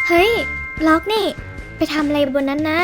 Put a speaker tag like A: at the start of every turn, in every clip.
A: เฮ้ยล็อกนี่ไปทำอะไรบนนั้นนะ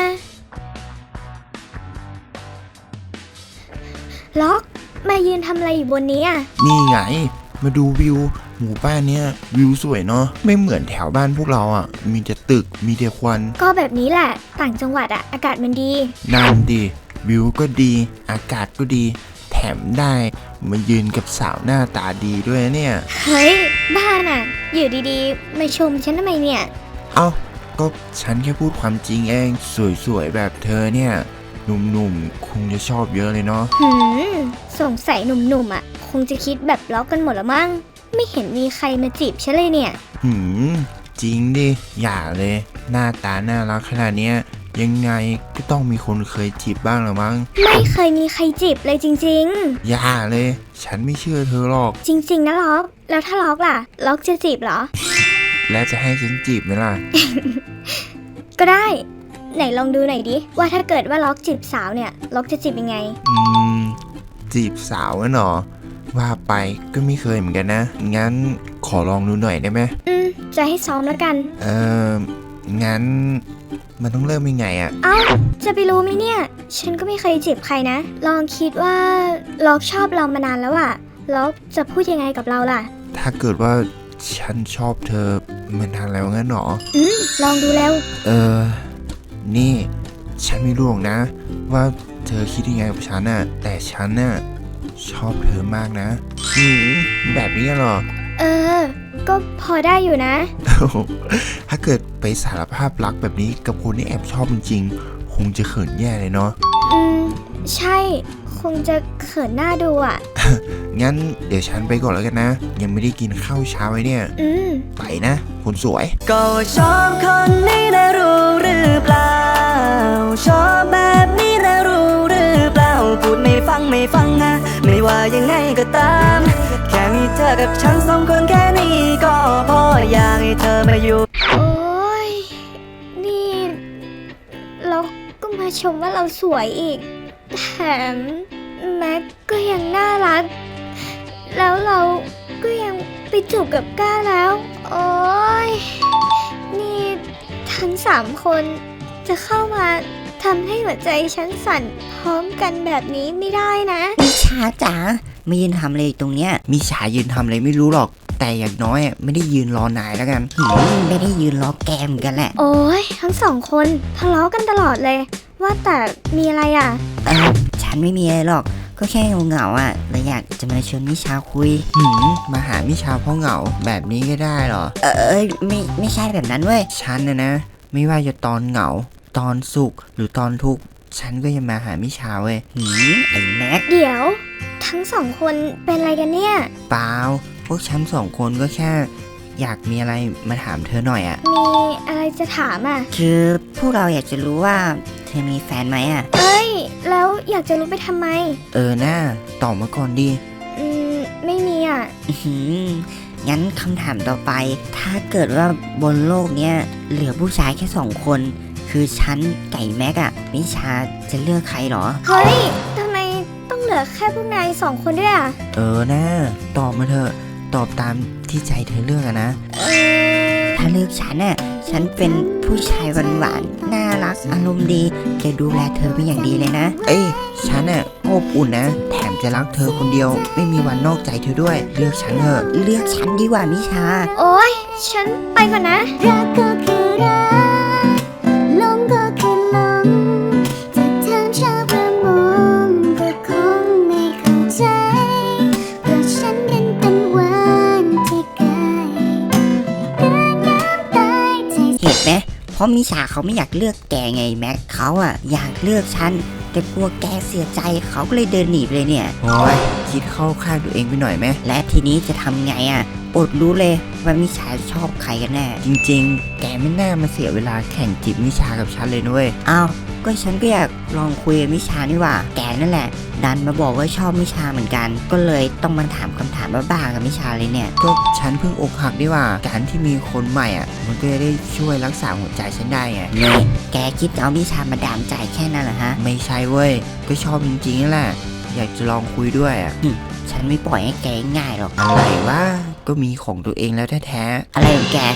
A: ล็อกมายืนทำอะไรอยู่บนนี้อ่ะ
B: นี่ไงมาดูวิวหมู่บ้านเนี้ยวิวสวยเนาะไม่เหมือนแถวบ้านพวกเราอ่ะมีแต่ตึกมีแต่ควัน
A: ก็แบบนี้แหละต่างจังหวัดอ่ะอากาศมันดี
B: นั่นดิวิวก็ดีอากาศก็ดีแถมได้มายืนกับสาวหน้าตาดีด้วยเนี่ย
A: เฮ้ยบ้าน่ะอยู่ดีๆมาชมฉันทำไมเนี่ย
B: เอ้าก็ฉันแค่พูดความจริงเองสวยๆแบบเธอเนี่ยหนุ่มๆคงจะชอบเยอะเลยเนาะ
A: สงสัยหนุ่มๆอ่ะคงจะคิดแบบล็อกกันหมดละมั้งไม่เห็นมีใครมาจีบฉันเลยเนี่ย
B: จริงดิอย่าเลยหน้าตาน่ารักขนาดเนี้ยยังไงก็ต้องมีคนเคยจีบบ้างหรือมั้ง
A: ไม่เคยมีใครจีบเลยจริง
B: ๆอย่าเลยฉันไม่เชื่อเธอหรอก
A: จริงๆนะล็อกแล้วถ้าล็อกล่ะล็อกจะจีบเหรอ
B: แล้วจะให้ฉันจีบไหมล่ะ
A: ก็ได้ไหนลองดูหน่อยดิว่าถ้าเกิดว่าล็อกจีบสาวเนี่ยล็อกจะจีบยังไง
B: จีบสาวเหรอว่าไปก็ไม่เคยเหมือนกันนะงั้นขอลองดูหน่อยได้ไหม
A: จะให้ซ้อมแล้วกัน
B: งั้นมันต้องเริ่มยังไงอะ
A: เอ้าจะไปรู้ไหมเนี่ยฉันก็ไม่เคยจีบใครนะลองคิดว่าล็อกชอบเรามานานแล้วอะล็อกจะพูดยังไงกับเราล่ะ
B: ถ้าเกิดว่าฉันชอบเธอมานานแล้วงั้นหรอ
A: ลองดูแล้ว
B: นี่ฉันไม่รู้หรอกนะว่าเธอคิดยังไงกับฉันน่ะแต่ฉันน่ะชอบเธอมากนะแบบนี้เหรอ
A: ก็พอได้อยู่นะ
B: ถ้าเกิดไปสารภาพรักแบบนี้กับคนที่แอบชอบจริงๆคงจะเขินแย่เลยเนาะ
A: ใช่คงจะเขินหน้าดูอ่ะ
B: งั้นเดี๋ยวฉันไปก่อนแล้วกันนะยังไม่ได้กินข้าวเช้าไว้เนี่ยไปนะคนสวย
C: ก็ชอบคนนี้นะรู้หรือเปล่าชอบแบบนี้นะรู้หรือเปล่าพูดไม่ฟังนะไม่ว่ายังไงก็ตามแค่มีเธอกับฉันสองคนแค่นี้ก็พออยากให้เธอมาอยู่
A: โอ้ยนี่เราก็มาชมว่าเราสวยอีกแถมแม็กก็ยังน่ารักแล้วเราก็ยังไปจูบกับก้าแล้วโอ้ยนี่ทั้ง3 คนจะเข้ามาทำให้หัวใจฉันสั่นพร้อมกันแบบนี้ไม่ได้นะ
C: มิชาจ๋าไม่ยืนทำอะไรตรงเนี้ย
B: มิชายืนทำอะไรไม่รู้หรอกแต่อย่างน้อยไม่ได้ยืนรอนายแล้วกัน
C: ไม่ได้ยืนรอแกมกันแหละ
A: โอ้ยทั้ง2 คนทะเลาะกันตลอดเลยว่าแต่มีอะไรอ่ะ
C: ฉันไม่มีอะไรหรอกก็แค่เหงาอ่ะเลยอยากจะมาชวนมิชาคุย
B: มาหามิชาเพราะเหงาแบบนี้ก็ได้เหรอ
C: ไม่ใช่แบบนั้นเว้ย
B: ฉันนะไม่ว่าจะตอนเหงาตอนสุขหรือตอนทุกข์ฉันก็ยังมาหามิชาเว้ย
C: ไอ้แม็ก
A: เดี๋ยวทั้ง2 คนเป็นอะไรกันเนี่ย
B: เปล่าพวกฉัน2 คนก็แค่อยากมีอะไรมาถามเธอหน่อยอ่ะ
A: มีอะไรจะถามอ่ะ
C: คือพวกเราอยากจะรู้ว่าเธอมีแฟนไหมอ่ะ
A: แล้วอยากจะรู้ไปทำไม
B: น่าตอบมาก่อนดิ
A: ไม่มีอ่ะ
C: งั้นคำถามต่อไปถ้าเกิดว่าบนโลกเนี้ยเหลือผู้ชายแค่2 คนคือฉันไก่แม็กอะมิชาจะเลือกใครหรอ
A: เฮ้ยทำไมต้องเหลือแค่พวกนาย2 คนด้วยอ่ะ
B: น่าตอบมาเถอะตอบตามที่ใจเธอเลือกอะนะ
C: ถ้าเลือกฉันน่ะฉันเป็นผู้ชายหวานๆน่ารักอารมณ์ดีจะดูแลเธอเป็นอย่างดีเลยนะ
B: ฉันน่ะอบอุ่นนะแถมจะรักเธอคนเดียวไม่มีวันนอกใจเธอด้วยเลือกฉันเถอะ
C: เลือกฉันดีกว่ามิชา
A: โอ๊ยฉันไปก่อนนะรักก็คือรักลมก็คือลมจะทำชาวประมงก็คงไม่เข้าใจเพราะฉันเป็นวันที่ไกลเดินน้ำตายใจ
C: เห็นไหมเพราะมิชาเขาไม่อยากเลือกแกไงแม็กเขาอะอยากเลือกฉันแต่กลัวแกเสียใจเขาก็เลยเดินหนีไปเลยเนี่ย
B: โอ้ยคิดเข้าข้างตัวเองไปหน่อยไหม
C: และทีนี้จะทำไงอะอดรู้เลยว่ามิชาชอบใครกันแน่
B: จริงๆแกไม่น่ามาเสียเวลาแข่งจีบมิชากับฉันเลยนุ้ย
C: อ้าวก็ฉันก็อยากลองคุยกับมิชานี่ว่าแกนั่นแหละดันมาบอกว่าชอบมิชาเหมือนกันก็เลยต้องมาถามคำถามบ้าๆกับมิชาเลยเนี่ย
B: ก็ฉันเพิ่งอกหักดีว่าการที่มีคนใหม่อ่ะมันก็จะได้ช่วยรักษาหัวใจฉันได้ไง
C: เนี่ยแกคิดเอามิชามาดามใจแค่นั้นเหรอฮะ
B: ไม่ใช่เว้ยก็ชอบจริงๆนั่นแหละอยากจะลองคุยด้วยอ่ะ
C: ฉันไม่ปล่อยให้แกง่ายหรอก
B: อะไรวะก็มีของตัวเองแล้วแท้
C: ๆอะไรของแก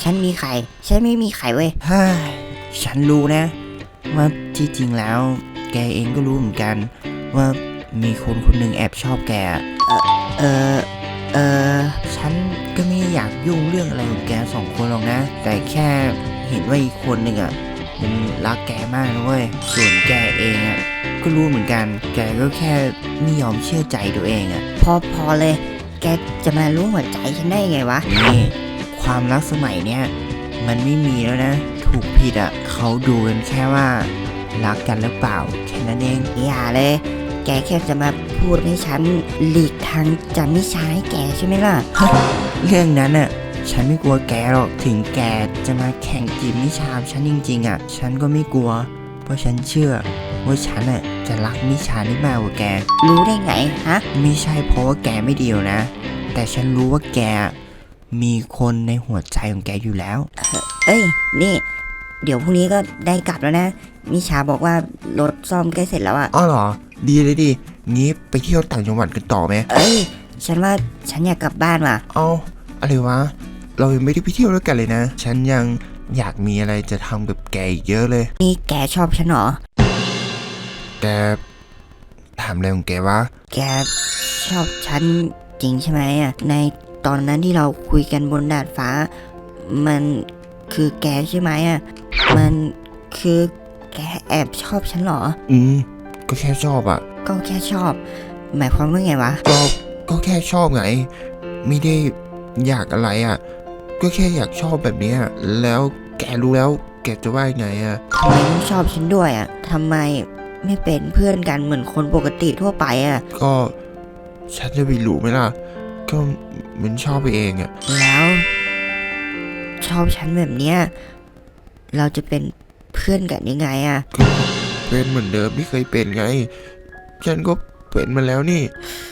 D: ฉันมีไข่ฉันไม่มีไข่เว้ย
C: เฮ้ยฉันรู้นะ ว่าที่จริงแล้วแกเองก็รู้เหมือนกัน ว่ามีคนคนหนึ่งแอบชอบแกเออฉันก็ไม่อยากยุ่งเรื่องอะไรของแกสองคนหรอกนะ แต่แค่เห็นว่าอีกคนหนึ่งอ่ะมันรักแกมากนะเว้ยส่วนแกเองอ่ะก็รู้เหมือนกัน แกก็แค่ไม่ยอมเชื่อใจตัวเองอ่ะ
D: พอเลย แกจะมารู้หัวใจฉันได้ไงวะ
C: นี่ความรักสมัยเนี้ยมันไม่มีแล้วนะ ถูกผิดอ่ะเขาดูกันแค่ว่ารักกันหรือเปล่าแค่นั้นเอง
D: อย่าเลย แกแค่จะมาพูดให้ฉันหลีกทางจากนิชาให้แกใช่ไหมล่ะ
C: เรื่องนั้นน่ะฉันไม่กลัวแกหรอกถึงแกจะมาแข่งจีบนิชาฉันจริงๆอ่ะฉันก็ไม่กลัว เพราะฉันเชื่อว่าฉันอ่ะจะรักนิชาได้มากกว่าแก
D: รู้ได้ไงฮะ
C: ไม่ใช่เพราะว่าแกไม่ดีหรอกนะ แต่ฉันรู้ว่าแกมีคนในหัวใจของแกอยู่แล้ว
D: เอ้ย นี่ เดี๋ยวพรุ่งนี้ก็ได้กลับแล้วนะ นิชาบอกว่ารถซ่อมใกล้เสร็จแล้วอะ
B: อ้อเหรอ ดีเลยดิ งี้ไปเที่ยวต่างจังหวัดกันต่อไหม
D: เอ้ย ฉันว่าฉันอยากกลับบ้านว่ะ
B: เอาอะไรวะ เรายังไม่ได้ไปเที่ยวด้วยกันเลยนะ ฉันยังอยากมีอะไรจะทำกับแกอีกเยอะเลย
D: นี่แกชอบฉันเหรอ
B: แกถามอะไรของแกวะ
D: แกชอบฉันจริงใช่ไหมอะในตอนนั้นที่เราคุยกันบนดาดฟ้า มันคือแกใช่ไหมอะมันคือแกแอบชอบฉันเหรอ
B: ก็แค่ชอบอ่ะ
D: ก็แค่ชอบ หมายความว่าไงวะ
B: ก็แค่ชอบไง ไม่ได้อยากอะไรอ่ะ ก็แค่อยากชอบแบบเนี้ยแล้วแกรู้แล้ว แกจะว่ายังไงอ่ะ
D: ทำไมต้องชอบฉันด้วยอะทำไมไม่เป็นเพื่อนกันเหมือนคนปกติทั่วไปอะ
B: ก็ฉันจะไปรู้ไหมล่ะ ก็มันชอบไปเองอ่ะ
D: แล้ว ชอบฉันแบบเนี้ยเราจะเป็นเพื่อนกันยังไงอะ
B: ก็เป็นเหมือนเดิมที่เคยเป็นไง ฉันก็เป็นมาแล้วนี่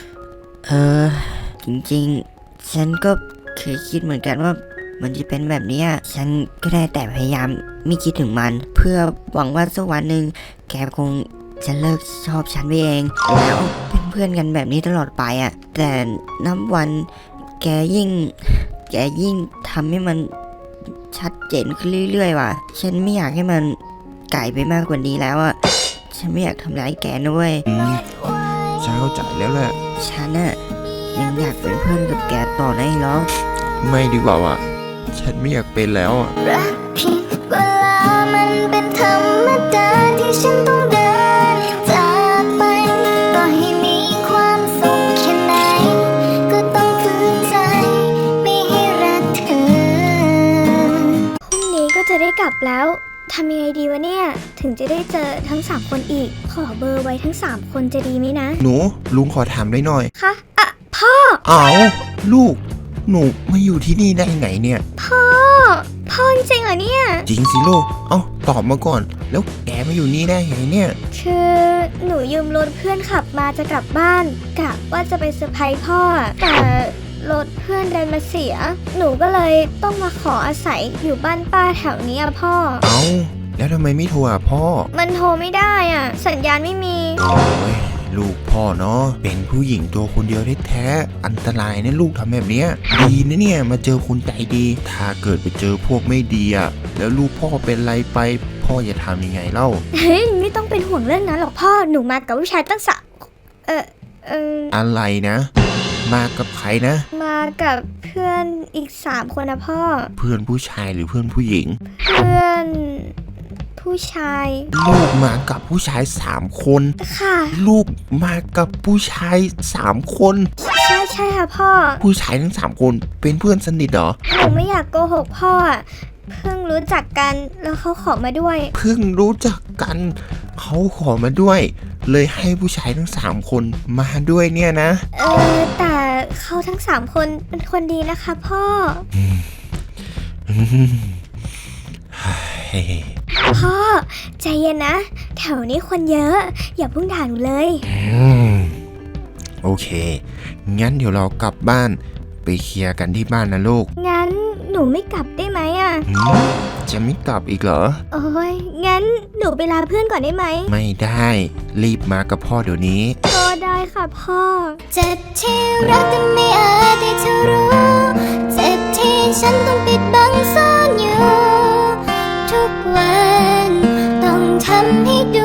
D: จริงๆ ฉันก็เคยคิดเหมือนกันว่ามันจะเป็นแบบเนี้ยฉันก็ได้แต่พยายามไม่คิดถึงมัน เพื่อหวังว่าสักวันหนึ่งแกคงจะเลิกชอบฉันไปเองแล้วเป็นเพื่อนกันแบบนี้ตลอดไปอะแต่นับวันแกยิ่งทำให้มันชัดเจนขึ้นเรื่อยๆว่ะฉันไม่อยากให้มันไกลไปมากกว่านี้แล้วอะฉันไม่อยากทำร้ายแกนะเว้ย
B: ฉันเข้าใจแล้วแหละ
D: ฉันอะยังอยากเป็นเพื่อนกับแกต่อได้หรอ
B: ไม่ดีกว่าว่ะ ฉันไม่อยากเป็นแล้วอ่ะ
A: รักผิดเวลามันเป็นธรรมดาที่ฉันต้องเดินจากไปต่อให้มีความสุขแค่ไหนก็ต้องฝืนใจไม่ให้รักเธอพรุ่งนี้ก็จะได้กลับแล้วทำยังไงดีวะเนี่ย ถึงจะได้เจอทั้ง3คนอีก ขอเบอร์ไว้ทั้ง3คนจะดีไหมนะ
B: หนู ลุงขอถามได้หน่อย
A: คะอ่ะพ่อ
B: เอาลูก หนูมาอยู่ที่นี่ได้ไงเนี่ย
A: พ่อจริงเหรอเนี่ย
B: จริงสิลูก ตอบมาก่อน แล้วแกมาอยู่นี่ได้ไงเนี่ย
A: คือหนูยืมรถเพื่อนขับมาจะกลับบ้านกะว่าจะไปเซอร์ไพรส์พ่อ แต่รถเพื่อนดันมาเสีย หนูก็เลยต้องมาขออาศัยอยู่บ้านป้าแถวนี้อะพ่อ
B: เอาแล้วทำไมไม่โทรหาพ่อ
A: มันโทรไม่ได้อ่ะ สัญญาณไม่มี
B: โอ้ยลูกพ่อเนาะเป็นผู้หญิงตัวคนเดียวแท้ๆอันตรายนะลูกทำแบบเนี้ยดีนะเนี่ยมาเจอคนใจดี ถ้าเกิดไปเจอพวกไม่ดีอ่ะแล้วลูกพ่อเป็นไรไป พ่อจะทำยังไงเล่า
A: เฮ้ยไม่ต้องเป็นห่วงเรื่องนั้นหรอกพ่อ หนูมากับผู้ชายตั้งสะ
B: อะไรนะ มากับใครนะ
A: มากับเพื่อนอีก3คนนะพ่อ
B: เพื่อนผู้ชายหรือเพื่อนผู้หญิง
A: เพื่อนผู้ชาย
B: ลูกมากับผู้ชาย3 คน
A: ค่ะ
B: ลูกมากับผู้ชาย3 คน
A: ใช่ค่ะพ่อ
B: ผู้ชายทั้ง3 คนเป็นเพื่อนสนิทเหรอ
A: หนูไม่อยากโกหกพ่ออะเพิ่งรู้จักกันแล้วเขาขอมาด้วย
B: เพิ่งรู้จักกันเขาขอมาด้วย เลยให้ผู้ชายทั้ง3 คนมาด้วยเนี่ยนะ
A: แต่เขาทั้ง3 คนเป็นคนดีนะคะพ่อ พ่อใจเย็นนะ แถวนี้คนเยอะ อย่าเพิ่งด่าหนูเลย
B: โอเค งั้นเดี๋ยวเรากลับบ้านไปเคลียร์กันที่บ้านนะลูก
A: งั้นหนูไม่กลับได้ไหมอ่ะ
B: จะไม่กลับอีกเหรอ
A: โอ้ยงั้นหนูไปลาเพื่อนก่อนได้ไหม
B: ไม่ได้ รีบมากับพ่อเดี๋ยวนี้
A: ก็ได้ค่ะพ่อ เจ็บที่รักแต่ไม่อาจที่จะรู้ เจ็บที่ฉันต้องปิดบังซ่อนอยู่ทุกวันต้องทำให้ดู